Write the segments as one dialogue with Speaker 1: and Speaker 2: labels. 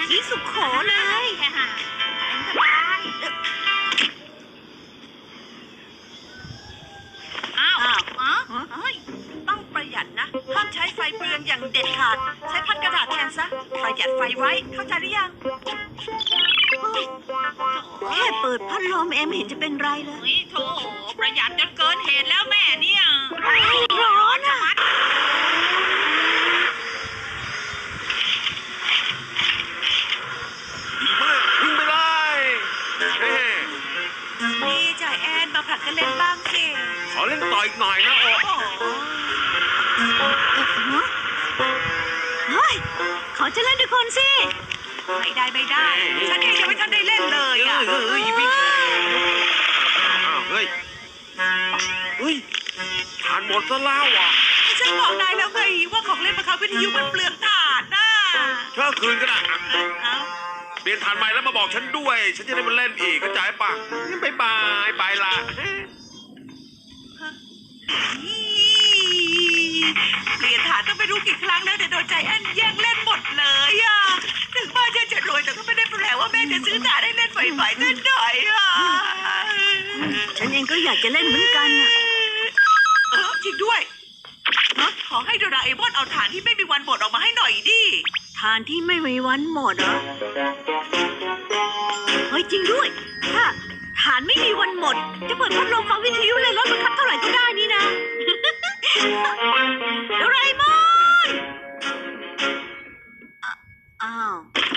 Speaker 1: สีสุขโขเลย
Speaker 2: เป็นสบายอ้าวเฮ้ยต้องประหยัดนะห้ามใช้ไฟเปลืองอย่างเด็ดขาดใช้พัดกระดาษแทนซะประหยัดไฟไว้เข้าใจหรือยัง
Speaker 1: แค่เปิดพัดลมเอ็มเห็นจะเป็นไรเลย
Speaker 2: โถประหยัดจนเกินเหตุแล้วแม่เนี่ย
Speaker 1: ร้อนอ่ะ
Speaker 3: วิ่งไปเลย
Speaker 2: นี่จ่ายแอนมาผลัดกันเล่นบ้างสิ
Speaker 3: ขอเล่นต่ออีกหน่อยนะโอ้
Speaker 1: เฮ้ยขอจะเล่นด้วยคนสิ
Speaker 2: ไม่ได้ฉันเองยังไม่ทันได้เล่นเลยอ่ะ
Speaker 3: เฮ้ยถ่านหมดซะแล้วอ่ะ
Speaker 2: ฉันบอกนายแล้วไงว่าของเล่นบังคับวิทยุมันเปลืองถ่านน่ะ
Speaker 3: เช่าคืนก็ได้เปลี่ยนถ่านใหม่แล้วมาบอกฉันด้วยฉันจะได้มาเล่นอีกเข้าใจป่ะงั้นบายไปละ
Speaker 2: เปลี่ยนถ่านต้องไปรู้กี่ครั้งแล้วแต่โดนใจแอนแย่งเล่นหมดเลยอ่ะถึงบ้านจะรวยแต่ก็ไม่ได้แปลว่าแม่จะซื้อถ่านให้เล่นบ่อยๆสักหน่อยอ่ะ
Speaker 1: ฉันเองก็อยากจะเล่นเหมือนกันอ่ะ
Speaker 2: จริงด้วยขอให้โดราเอมอนเอาถ่านที่ไม่มีวันหมดออกมาให้หน่อยดิ
Speaker 1: ถ่านที่ไม่มีวันหมดเหรอเฮ้ยจริงด้วยถ้าถ่านไม่มีวันหมดจะเปิดพัดลมฟังวิทยุเลยรถบังคับเท่าไหร่ก็ได้นี่นะโดราเอมอนอ้าว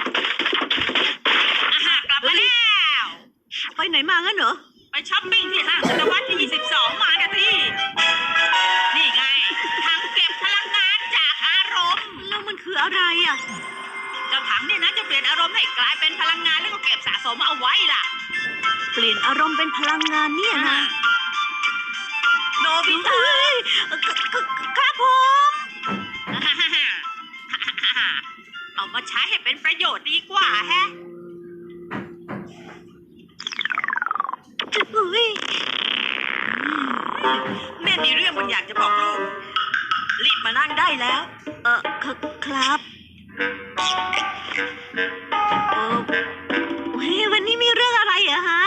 Speaker 2: กลับมาแล้ว
Speaker 1: ไปไหนมางั้นเหรอ
Speaker 2: ไปช้อปปิ้งที่ห้างศตวรรษที่22มาเนี่ยพี่นี่ไงถังเก็บพลังงานจากอารมณ์
Speaker 1: แล้วมันคืออะไรอ่ะ
Speaker 2: เจ้าถังเนี่ยนะจะเปลี่ยนอารมณ์ให้กลายเป็นพลังงานแล้วก็เก็บสะสมเอาไว้ล่ะ
Speaker 1: เปลี่ยนอารมณ์เป็นพลังงานเนี่ยนะ
Speaker 2: โนบิตะ
Speaker 1: ครับผม
Speaker 2: เอามาใช้ให้เป็นประโยชน์ดีกว่าแฮะแม่มีเรื่องบางอย่างจะบอกลูกรีบมานั่งได้แล้ว
Speaker 1: ครับวันนี้มีเรื่องอะไรอะฮะ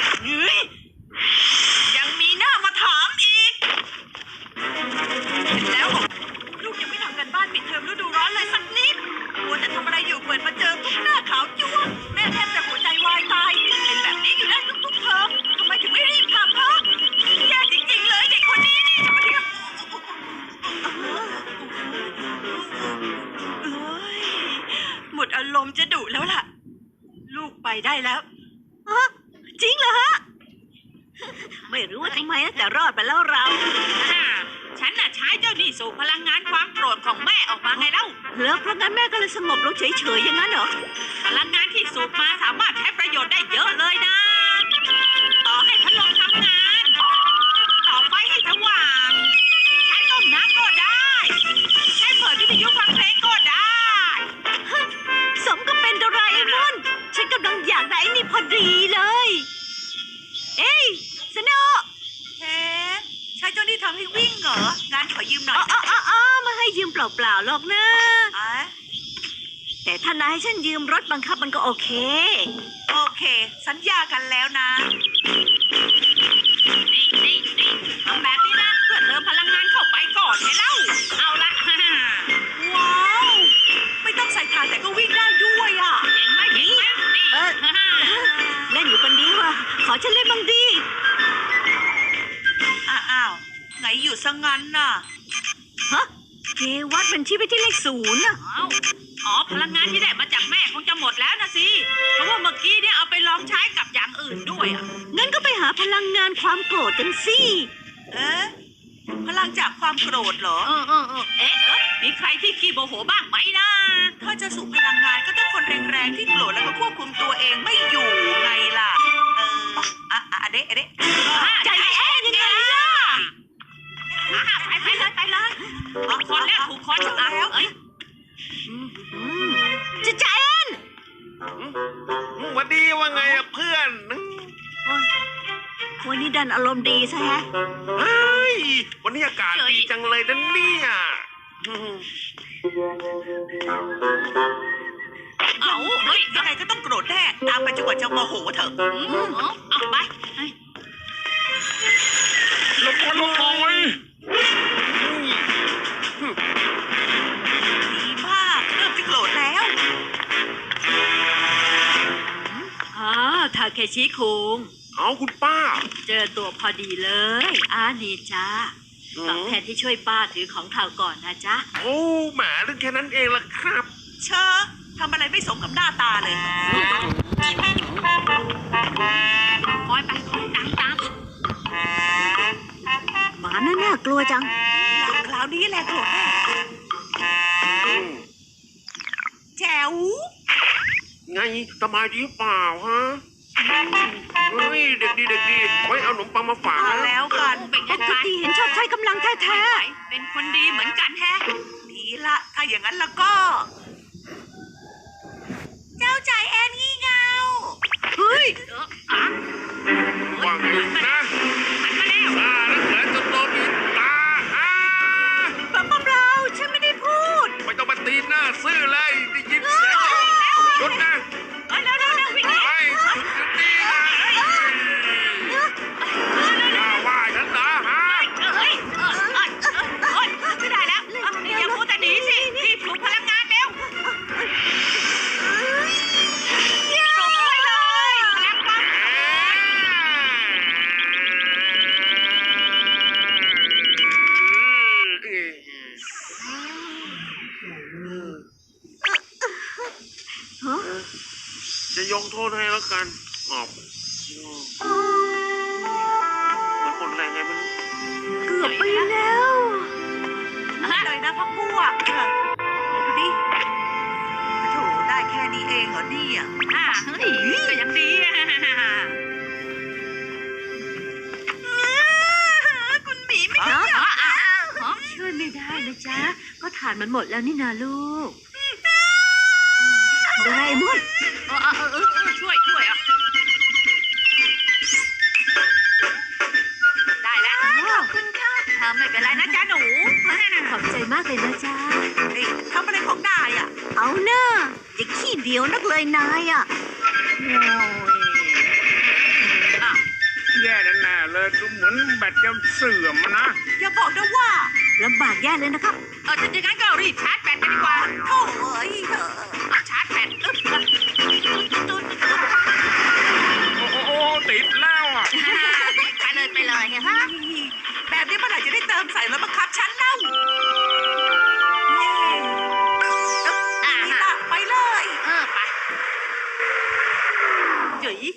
Speaker 2: ยังมีหน้ามาถามอีกเห็นแล้วลูกยังไม่ทำกันบ้านปิดเทอมฤดูร้อนเลยสักนิดควรจะทำอะไรอยู่เปิดมาเจอทุกหน้าขาวจ้วงแม่แทบจะหัวใจวายตายเป็นแบบนี้อยู่ได้ทุกเทอมทำไมถึงไม่รีบทำฮะแย่จริงๆเลยเด็กคนนี้นี่จะมาเรียกหมดอารมณ์จะดุแล้วล่ะลูกไปได้แล้ว
Speaker 1: จริงเหรอฮะไม่รู้ว่าทำไมนะแต่รอดไปแล้วเรา
Speaker 2: ฉันน่ะใช้เจ้านี่สู่พลังงานความโกรธของแม่ออกมาไงเล่า
Speaker 1: แล้วเพราะงั้นแม่ก็เลยสงบลงเฉยๆอย่างนั้นเหรอ
Speaker 2: พลังงานที่สูบมาสามารถใช้ประโยชน์ได้เยอะเลยนะต่อให้พัดลมทำงานต่อไฟให้สว่างใช้ต้มน้ำก็ได้ใช้เปิดวิทยุฟังเพลงก็ได้
Speaker 1: สมก็เป็นโดราเอมอนฉันกำลังอยากได้นี่พอดีเลยเอ้ยสโน
Speaker 2: เฮ้ใช้เจ้านี่ทำให้วิ่งเหรองานขอยืมหน่อย
Speaker 1: มาให้ยืมเปล่าๆหรอกนะแต่ถ้านายให้ฉันยืมรถบังคับมันก็โอเค
Speaker 2: สัญญากันแล้วนะนี่ทำแบบนี้นะเพื่อเติมพลังงานเข้าไปก่อนไงเล่าเอาละว้าวไม่ต้องใส่ถ่านแต่ก็วิ่งได้ด้วยอ่ะเห็นไหมนี่
Speaker 1: เล่นอยู่คนเดียวอ่ะขอฉันเล่นบ้างดิ
Speaker 2: อ้าวไหนอยู่ซะงั้นน่ะ
Speaker 1: ฮะเกวัดมันชี้ไปที่เลข0น่ะ
Speaker 2: พลังงานที่ได้มาจากแม่คงจะหมดแล้วนะสิเพราะว่าเมื่อกี้เนี่ยเอาไปลองใช้กับอย่างอื่นด้วยอ่ะ
Speaker 1: งั้นก็ไปหาพลังงานความโกรธกันสิ
Speaker 2: พลังจากความโกรธเหรอมีใครที่ขี้โมโหบ้างไหมนะถ้าจะสูบพลังงานก็ต้องคนแรงๆที่โกรธแล้วก็ควบคุมตัวเองไม่อยู่ไงล่ะเด็
Speaker 1: ใจแอนยังไงล่ะ
Speaker 2: ไปเลยคนแรกถูกคนแล้ว
Speaker 1: จะใจแอน
Speaker 3: วันดีว่าไงเพื่อน
Speaker 1: วันนี้ดันอารมณ์ดีซะฮะ
Speaker 3: เฮ้ยวันนี้อากาศดีจังเลยนะเนี่ย
Speaker 2: เอาเฮ้ยยังไงก็ต้องโกรธแน่ตามไปจนกว่าจะโมโหเถอะเอาไป
Speaker 3: ลงมาลงหน่อย
Speaker 2: ดีมากเริ่มจะโกรธแล้ว
Speaker 1: ทาเคชิคุง
Speaker 3: เอาคุณป้า
Speaker 1: เจอตัวพอดีเลย นี่จ้าตอบแทนที่ช่วยป้าถือของข่าวก่อนนะจ๊ะ
Speaker 3: โอ้แหมเรื่องแค่นั้นเองล่ะครับ
Speaker 2: เชอะทำอะไรไม่สมกับหน้าตาเลยคอยไปคอยตาม
Speaker 1: หมาน่ากลัวจัง
Speaker 2: คราวนี้แหละโกรธแน่แจ๋ว
Speaker 3: ไงสบายดีเปล่าฮะเฮ้ยเด็กดีเด็กดีไว้เอาขนมปังมาฝาก
Speaker 2: มา
Speaker 3: นะ
Speaker 2: แล้วกัน
Speaker 1: ปกติเห็นชอบใช้กำลังแท้
Speaker 2: เป็นคนดีเหมือนกันแฮะดีละถ้าอย่างนั้นแล้วก็ เจ้าใจแอนงี่เงา
Speaker 1: ๆเฮ้ย
Speaker 3: ว่างอยู่นะซาแล้วเหลือจนโตมีตา
Speaker 1: เปล่าฉันไม่ได้พูด
Speaker 3: ไม่ต้องมาตีหน้าซื่อเลยได้ยินเสียงหยุดนะ
Speaker 2: วิ่ง
Speaker 3: ไปหยุดดีนะอย่าว่าฉันนะฮะ
Speaker 2: ไม่ได้แล้วอย่าพูดแต่หนีสิรีบปลุกพลังงานเร็วส่งไปเลยพลังปั๊ม
Speaker 3: จะยกโทษให้แล้วกันออกมันหมดแรงไงไม่รู้
Speaker 1: เกือบไปแล้ว
Speaker 2: เลยนะพักพวกดูดิโถได้แค่นี้เองเหรอเนี่ยก็ยังดีคุณหมีไม่ยอม
Speaker 1: ช่วยไม่ได้นะจ๊ะ ก็ฐานมันหมดแล้วนี่นาลูกโดราเอมอน
Speaker 2: ช่วยอ่ะได้แล้วขอบคุณค่ะไม่เป็นไรนะจ๊ะหนู
Speaker 1: ขอบใจมากเลยนะจ๊ะ
Speaker 2: ทำอะไรของนายอ่ะ
Speaker 1: เอาเนอะอย่าขี้เดียวนักเลยนายอ่ะ
Speaker 4: แย่แน่ๆเลยดูเหมือนแบตจะเสื่อมนะ
Speaker 2: อย่าบอกนะว่า
Speaker 1: ลำบากแย่เลยนะครับ
Speaker 2: ถ้าอย่างนั้นก็รีบชาร์จแบตกันดีกว่าโถ่เอ้ยชาร์จแบต
Speaker 4: โอ้ติดแล้วอ่ะ
Speaker 2: ไปเลยฮะแบบนี้เมื่อไหร่จะได้เติมใส่แล้วบังคับฉันเล่าไปเลยไป
Speaker 1: จุ๋ย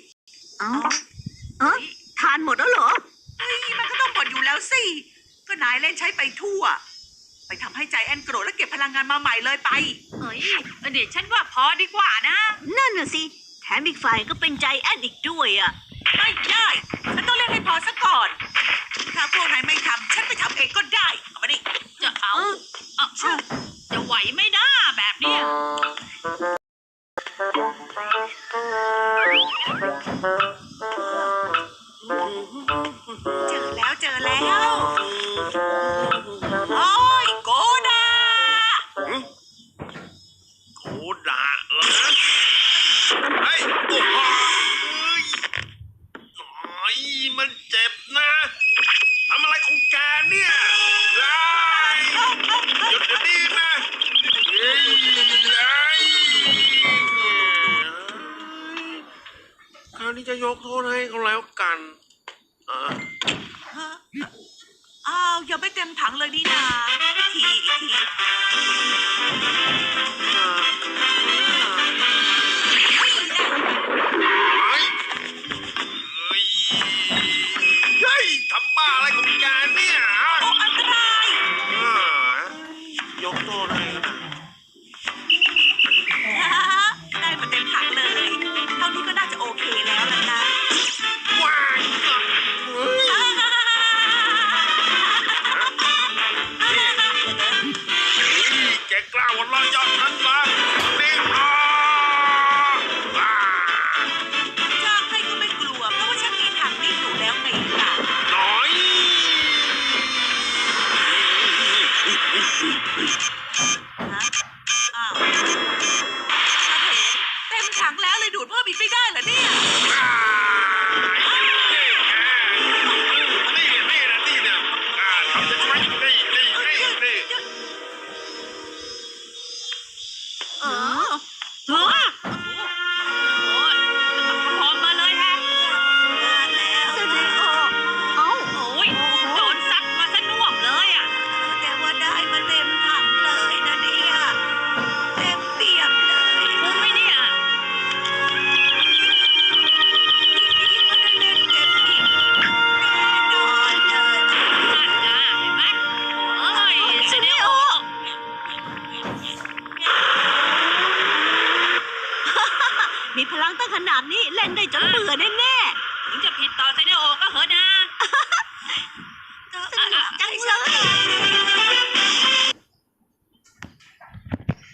Speaker 1: ทานหมดแล้วเหรอ
Speaker 2: มันก็ต้องหมดอยู่แล้วสิ ก็นายเล่นใช้ไปทั่ว ไปทำให้ใจแอนโกรธแล้วเก็บพลังงานมาใหม่เลยไปเดี๋ยวฉันว่าพอดีกว่านะ
Speaker 1: นั่นน่ะสิ แถมอีกฝ่ายก็เป็นใจแอนอีกด้วยอ่ะ
Speaker 2: ไม่ได้ฉันต้องเล่นให้พอซะก่อน ถ้าพวกนายไม่ทำฉันไปทำเองก็ได้เอามาดิจะเอาจะไหวไม่ได้แบบเนี้ยเจอแล้วโอ้ยโกดา
Speaker 3: โคด่าเหรอเฮ้ยโอ้โหมันเจ็บนะทำอะไรของแกเนี่ยหยุดเดี๋ยวนี้นะคราวนี้จะยกโทษให้เขาแล้วกัน
Speaker 2: อ้าวยังไม่เต็มถังเลยนี่นาอีกที
Speaker 3: เฮ้ยทำบ้าอะไรของแกเนี่ย
Speaker 2: โอ้อันตราย
Speaker 3: ยกโทษให้นะ
Speaker 2: ได้มาเต็มถังเลยเท่านี้ก็น่าจะโอเคแล้วล่ะนะ
Speaker 3: ว้ายแกกล้าหัวเราะเยาะฉันเหรอนี่
Speaker 2: จ้างให้ก็ไม่กลัวเพราะว่าฉันมีถังนี้อยู่แล้วไงล่ะ
Speaker 3: น้อย
Speaker 2: ไม่ได้เหรอเนี่ย
Speaker 3: นี่เนี่ยทำจะใช่นี่
Speaker 2: เออโอ้ยพร้อมมาเลยฮะมาแล้ว
Speaker 1: เซเนโอเอ้า
Speaker 2: โอ้ยโดนซัดมาซะน่วมเลยอ่ะแต่ว่าได้มาเต็มถังเลยนะเนี่ยเต็มเปี่ยมเลยคุ้มไหมเนี่ยก็ได้เล่นเต็มอิ่มแน่นอนเลยนั่นนะเห็นไหมเอ้ยเซเนโอ
Speaker 1: มีพลังตั้งขนาดนี้เล่นได้จนเบื่อแน่
Speaker 2: ถึงจะผิดต่อเซเนโอก็เหอะนะ
Speaker 1: ๆสนุกจังเลย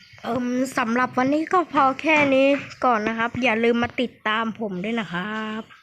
Speaker 5: สำหรับวันนี้ก็พอแค่นี้ก่อนนะครับ อย่าลืมมาติดตามผมด้วยนะครับ